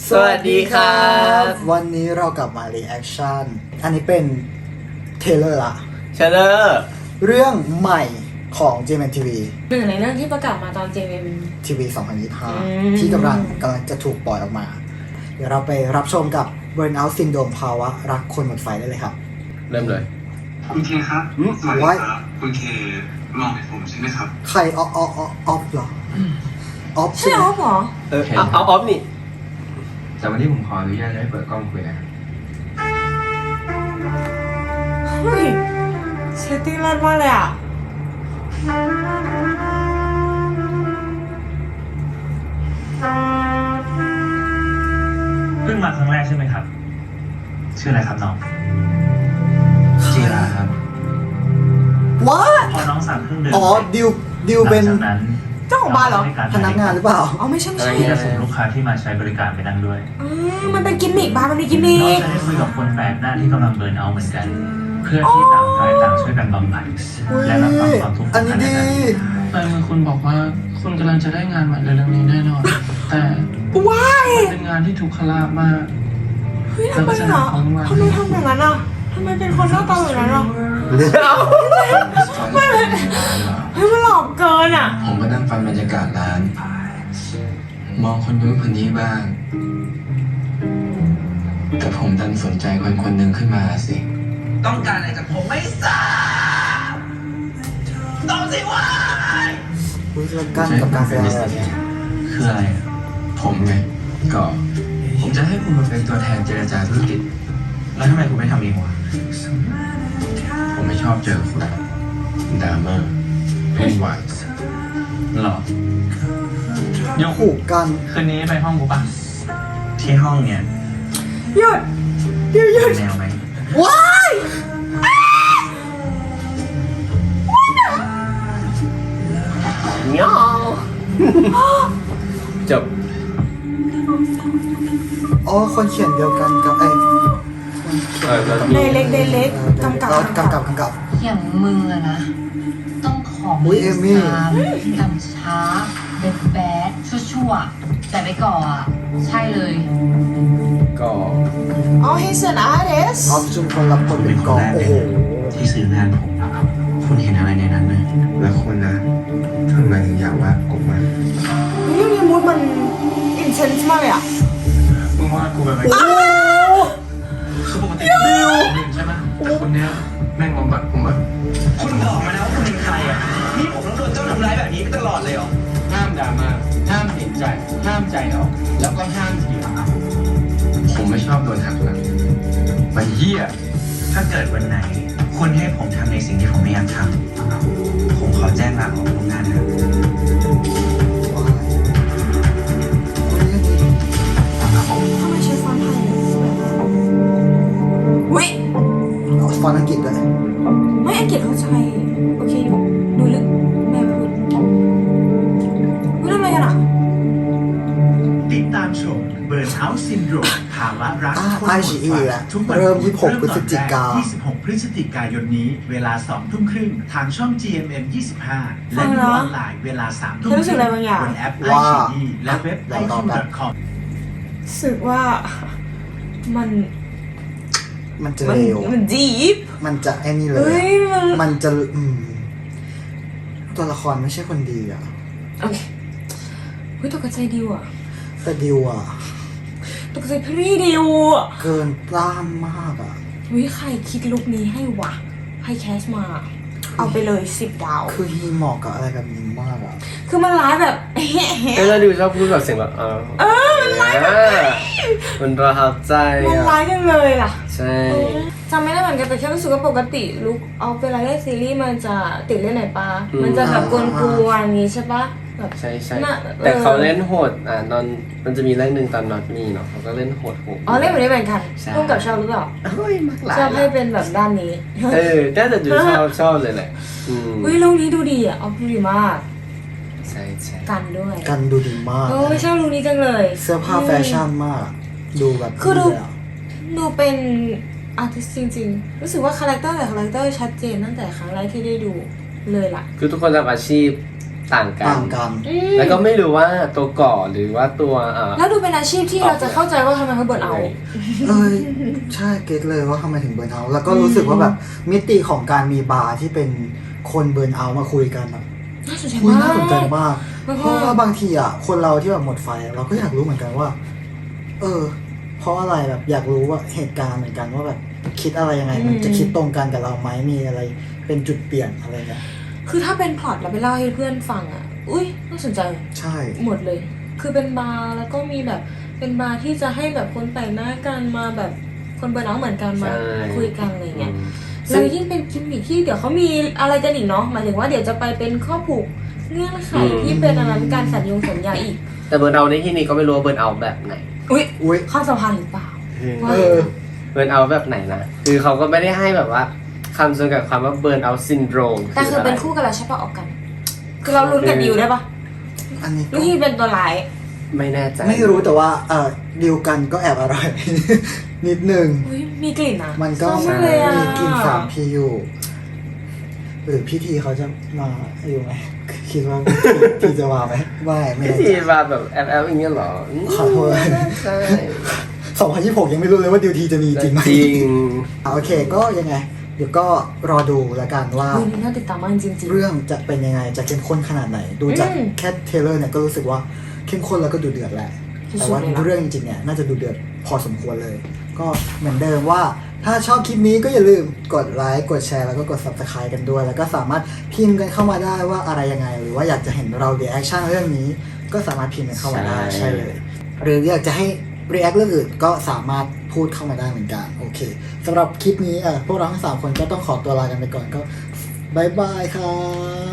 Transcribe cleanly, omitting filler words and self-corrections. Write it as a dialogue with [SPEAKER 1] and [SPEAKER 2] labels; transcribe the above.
[SPEAKER 1] สวัสดีครับ
[SPEAKER 2] วันนี้เรากลับมา reaction อันนี้เป็นเทเลอร์ละ
[SPEAKER 1] เชลเลอร์
[SPEAKER 2] เรื่องใหม่ของ JMTV
[SPEAKER 3] หนึ่งในเรื่องที่ประกาศมาตอน JM
[SPEAKER 2] TV 2025 ที่กำลังจะถูกปล่อยออกมา เดี๋ยวเราไปรับชมกับ Burnout Syndrome ภาวะรักคนหมดไฟได้เลยครับ
[SPEAKER 1] เริ่มเลย
[SPEAKER 4] คุณเคครับ สวัสดีครับ คุณเคมองเห็นผมใช่ไหมครับ
[SPEAKER 2] ใครออฟเหรอออฟ
[SPEAKER 3] ใช่เหรอหรอ
[SPEAKER 1] เอาออฟนี่
[SPEAKER 5] แต่วันนี้ผมขออนุญาตให้เปิดกล้องคุยนะครับ
[SPEAKER 3] เฮ้ยเซตติ้งรัดมากเลยอ่ะ
[SPEAKER 6] เพิ่งมาครั้งแรกใช่ไหมครับ ชื่ออะไรครับน้อง
[SPEAKER 5] จีราครับ
[SPEAKER 2] ว้า
[SPEAKER 6] พอน้องสั่งเครื่องดื่ม
[SPEAKER 2] อ๋อดิวเป็น
[SPEAKER 6] หลังจากนั้น
[SPEAKER 3] เจ้าของบ้านเหรอ
[SPEAKER 2] พนักงานหรือเปล่า
[SPEAKER 3] อ๋อไม่ใช่ไม่ใช่
[SPEAKER 6] ที่จะส่งลูกค้าที่มาใช้บริการไปนั่งด้วย
[SPEAKER 3] มันเป็นกิมมิกบ้านมันมีกิมมิ
[SPEAKER 6] น้อง
[SPEAKER 3] ก
[SPEAKER 6] จะได้คุยกับคนแปลกหน้าที่กำลังเบิร์นเอาท์เหมือนกัน เพื่อที่ต่างฝ่ายต่างช่วยกันบำบัดและรับฟังความทุกข์ข
[SPEAKER 2] อั
[SPEAKER 6] อน ง
[SPEAKER 2] นี้
[SPEAKER 6] กันและ
[SPEAKER 2] ดี
[SPEAKER 6] กัน
[SPEAKER 7] แต่มือคุณบอกว่าคุณกำลังจะได้งานใหม่เร็วๆนี้แน่นอน แต่
[SPEAKER 3] ว้าย
[SPEAKER 7] เป็นงานที่ถูกขลาบมาก
[SPEAKER 3] เฮ้ยทำไมอ่ะทำไมทำอย่างนั้นอ่ะทำไมเป็นคนหน้าตาแบบนั้นอ่ะไม่เป็นเฮ้ยมันหลอกเกินอ่ะ
[SPEAKER 5] ผมก็นั่งฟังบรรยากาศร้าน มองคนนู้นคนนี้บ้าง แต่ผมดันสนใจคนคนหนึ่งขึ้นมาสิ
[SPEAKER 8] ต้องการอะไรจากผมไม่ทราบตอบสิว่า
[SPEAKER 2] อุ๊ยแล้วกันกับการแสดงอะไรเนี่ย
[SPEAKER 5] คืออะไรอะผมไงก็ผมจะให้คุณมาเป็นตัวแทนเจรจาธุรกิจ แล้วทำไมคุณไม่ทำเองวะผมไม่ชอบเจอคุณดราม่าวุ่นวาย
[SPEAKER 6] หรอ ยก
[SPEAKER 2] ขู่กัน
[SPEAKER 6] คืนนี้ไปห้องกูปะที่ห้องเนี่ย
[SPEAKER 3] หยุดหยุด
[SPEAKER 6] แนวไหม
[SPEAKER 3] ว้าย
[SPEAKER 1] เงี้ยจบ
[SPEAKER 2] อ๋อคนเขียนเดียวกันกับ
[SPEAKER 1] แล้ว
[SPEAKER 3] เดเล็กกำกับ
[SPEAKER 2] กำกับ
[SPEAKER 9] อย่างมึงอะนะ ต้องของ
[SPEAKER 2] อุ๊ยเอมี่
[SPEAKER 9] ตามช้าแบดชั่วๆแต่ไปก่ออะใช่เลย
[SPEAKER 1] ก็
[SPEAKER 3] อ๋อ he's an artist
[SPEAKER 2] ออฟชุมพลรับบทเป็นกองโอ้โห
[SPEAKER 5] ที่ซื้องานผม คุณเห็นอะไรในนั้นไหมแล้วคุณนะทำไมถึงอยากวาดผมมา
[SPEAKER 3] เรื่องนี้มูดมัน intense มากเลยอ่ะ
[SPEAKER 6] มึงว่ากูแบบไหน
[SPEAKER 5] คือปกติดิวใช่ไหมแต่คนเนี้ยแม่งบำบัดผมอะ
[SPEAKER 8] คุณบอกมานะว่าคุณเป็นใครอ่ะ นี่ผมต้องโดนเจ้าทำร้ายแบบนี้ไปตลอดเลยเหรอ
[SPEAKER 5] ห้ามดราม่าห้ามเห็นใจ ห้ามใจออกแล้วก็ห้ามเถียงผมไม่ชอบโดนหักหลังไปเหี้ย
[SPEAKER 6] ถ้าเกิดวันไหน คุณให้ผมทำในสิ่งที่ผมไม่อยากทำ ผมขอแจ้งลาออกโรงงานนะ
[SPEAKER 3] ทำไมใช้ฟอนต์ไทยเว้ย
[SPEAKER 2] ฟอนต์อังกฤษด้วย
[SPEAKER 3] ไม่อังกฤษเข้าใจโอเคอยู่ดูลึกแม่พูดพูดทำไมกันอ่ะ
[SPEAKER 10] ติดตามชม Burnout Syndrome ภาวะรักคนหมด
[SPEAKER 2] IGE
[SPEAKER 10] ไฟ
[SPEAKER 2] แล้ว
[SPEAKER 10] ทุกวัน
[SPEAKER 2] เริ่ม
[SPEAKER 10] พุธ
[SPEAKER 2] 26 พฤศจิกายน
[SPEAKER 10] 26 พฤศจิกายนนี้ เวลา 2 ทุ่มครึ่ง ทางช่อง GMM 25 และ
[SPEAKER 3] ฟัง
[SPEAKER 10] ดู
[SPEAKER 3] แล้ว
[SPEAKER 10] ออนไลน์เวลา 3 ทุ่ม
[SPEAKER 3] เธอรู้สึกอะไรบางอย่าง
[SPEAKER 10] บนแอป
[SPEAKER 2] ว่า
[SPEAKER 10] IGE และเว็บ iq.com
[SPEAKER 3] รู้สึกว่ามัน
[SPEAKER 2] มันจะเร็ว
[SPEAKER 3] มันดีฟ
[SPEAKER 2] มันจะไอ้นี่เล
[SPEAKER 3] เฮ้
[SPEAKER 2] ย
[SPEAKER 3] ยมัน
[SPEAKER 2] มันจะตัวละครไม่ใช่คนดีอ่ะ
[SPEAKER 3] โอเคเฮ้ยตกใจดิวอ่ะ
[SPEAKER 2] แต่ดิวอ่ะ
[SPEAKER 3] ตกใจพี่ดิวอ่ะ
[SPEAKER 2] เกินต้านมากอ่ะ
[SPEAKER 3] เฮ้ยใครคิดลุคนี้ให้วะให้แคสมา เอาไปเลย10 ดาว
[SPEAKER 2] คือฮีเหมาะกับอะไรแบบนี้มากอ่ะ
[SPEAKER 3] คือมันร้ายแบบ
[SPEAKER 1] เอ้ยแล้วดิวชอบพูดแบบเสียงแบบมันร้ายมันประทับใจ
[SPEAKER 3] มัน
[SPEAKER 1] อ่ะ
[SPEAKER 3] ร้ายจังเลยล่ะ
[SPEAKER 1] ใช่
[SPEAKER 3] จำไม่ได้เหมือนกันแต่แค่รู้สึกว่าปกติลุคเอาเวลาเล่นซีรีส์มันจะติดเล่นไหนปะมันจะแบบกวนๆอย่างงี้ใช่ปะแบบ
[SPEAKER 1] ใช่
[SPEAKER 3] น่ะ
[SPEAKER 1] แต่เขาเล่นโหดตอนมันจะมีเรื่องหนึ่งตอนน็อตมีเนาะเขาก็เล่นโหด
[SPEAKER 3] อ๋อเล่นแบบนี้เหมือนกัน
[SPEAKER 1] ใช่
[SPEAKER 3] ร่วมกับชอบหรือเปล่า
[SPEAKER 1] เฮ้ยมากหลาย
[SPEAKER 3] ชอบให้เป็นแบบด้านนี้
[SPEAKER 1] น่าจะดูชอบเลยแหละ
[SPEAKER 3] เฮ้ยลุคนี้ดูดีอ่ะเอาดูดีมาก
[SPEAKER 1] ใช่
[SPEAKER 3] กันด้วย
[SPEAKER 2] กันดูดีมาก
[SPEAKER 3] โอ้ยชอบลุคนี้จังเลย
[SPEAKER 2] เสื้อผ้าแฟชั่นมาก ดูแบบ
[SPEAKER 3] คือดู
[SPEAKER 2] เลยอะ
[SPEAKER 3] ดูเป็นอาร์ติสจริงๆ รู้สึกว่าคาแรคเตอร์แต่คาแรคเตอร์ชัดเจนตั้งแต่ครั้งแรกที่ได้ดูเลยล่ะ
[SPEAKER 1] คือทุกคนทำอาชีพต่างกัน
[SPEAKER 2] ต่างกัน
[SPEAKER 1] แล้วก็ไม่รู้ว่าตัวก่อหรือว่าตัว
[SPEAKER 3] แล้วดูเป็นอาชีพที่เราจะเข้าใจว่าทำไมเขาเบิร์นเอาท์
[SPEAKER 2] ใช่เก็ตเลยว่าทำไมถึงเบิร์นเอาท์แล้วก็รู้สึกว่าแบบมิติของการมีบาร์ที่เป็นคนเบิร์นเอาท์มาคุยกันแบบ
[SPEAKER 3] น่าสนใจ
[SPEAKER 2] คุย
[SPEAKER 3] มา
[SPEAKER 2] น่าสนใจ
[SPEAKER 3] ก
[SPEAKER 2] มาก
[SPEAKER 3] แล้ว
[SPEAKER 2] เพ
[SPEAKER 3] ก็
[SPEAKER 2] ราะว่าบางทีอ่ะคนเราที่แบบหมดไฟเราก็อยากรู้เหมือนกันว่า เพราะอะไรแบบอยากรู้ว่าเหตุการณ์เหมือนกันว่าแบบคิดอะไรยังไงมันจะคิดตรงกันกับเราไหมมีอะไรเป็นจุดเปลี่ยนอะไรเงี้ย
[SPEAKER 3] คือถ้าเป็นพล็อตเราไปเล่าให้เพื่อนฟังอ่ะอุ้ยน่าสนใจ
[SPEAKER 2] ใช่
[SPEAKER 3] หมดเลย คือเป็นบาร์แล้วก็มีแบบเป็นบาร์ที่จะให้แบบคนแต่งหน้ากันมาแบบคนเบิร์นเอาท์เหมือนกันมาคุยกันอะไรเงี้ยแล้วยิ่งเป็นกิมมิคที่เดี๋ยวเขามีอะไรกันอีกเนาะหมายถึงว่าเดี๋ยวจะไปเป็นข้อผูกเงื่อนไขที่เป็นอันนั้นการสัญญาอีก
[SPEAKER 1] แต่เบิร์นเอาในที่นี้ก็ไม่รู้ว่าเบิร์นเอาแบบไหน
[SPEAKER 2] อุ้ย
[SPEAKER 3] ข้อสัมพันธ์หรือเปล่า
[SPEAKER 1] เบิร์นเอาแบบไหนนะคือเขาก็ไม่ได้ให้แบบว่าคำจำกัดความว่าเบิร์นเอาซินโดรม
[SPEAKER 3] แต่คือเป็นคู่กันแล้วใช่ปะออกกัน คือเราลุ้นกับดิวได้ปะ
[SPEAKER 2] อันนี้
[SPEAKER 3] ลูกที่เป็นตัวร้าย
[SPEAKER 1] ไม่แน่ใจ
[SPEAKER 2] ไม่รู้แต่ว่าดิวกันก็แอบอร่อย นิดนึง
[SPEAKER 3] อุ้ยมีกลิ่นอ่ะ
[SPEAKER 2] มันก็
[SPEAKER 3] ชอบากเลยอะ
[SPEAKER 2] มีกลิ่น3 พีอยู่หรือพี่ทีเขาจะมาอยู่ไหมคิดว่าพี่จะมาไหมไม่
[SPEAKER 1] พี่ทีมาแบบแอปอย่างเงี้ยเหรอ
[SPEAKER 2] ขอโทษ
[SPEAKER 1] ใช่
[SPEAKER 2] 2026ยังไม่รู้เลยว่าดิวทีจะมีจริงไหม
[SPEAKER 1] จริง
[SPEAKER 2] โอเคก็ยังไง เดี๋ยวก็รอดูแล้วกันว่า
[SPEAKER 3] อุ้ยน่าติดตามมากจริงๆ
[SPEAKER 2] เรื่องจะเป็นยังไงจะเข้มข้นขนาดไหน ดูจาก แค่เทรลเลอร์เนี่ยก็รู้สึกว่าเข้มข้นแล้วก็ดูเดือดแหละ แต่ว่าเรื่องจริงๆเนี่ยน่าจะดูเดือดพอสมควรเลย ก็เหมือนเดิมว่าถ้าชอบคลิปนี้ก็อย่าลืมกดไลค์กดแชร์แล้วก็กด Subscribe กันด้วย แล้วก็สามารถพิมพ์กันเข้ามาได้ว่าอะไรยังไง หรือว่าอยากจะเห็นเรา reaction เรื่องนี้ก็สามารถพิมพ์กันเข้ามาได้
[SPEAKER 1] ใช่
[SPEAKER 2] ใช่เลย หรืออยากจะให้ react เรื่องอื่นก็สามารถพูดเข้ามาได้เหมือนกันโอเคสำหรับคลิปนี้พวกเราทั้ง3คนก็ต้องขอตัวลากันไปก่อนก็บายบายครับ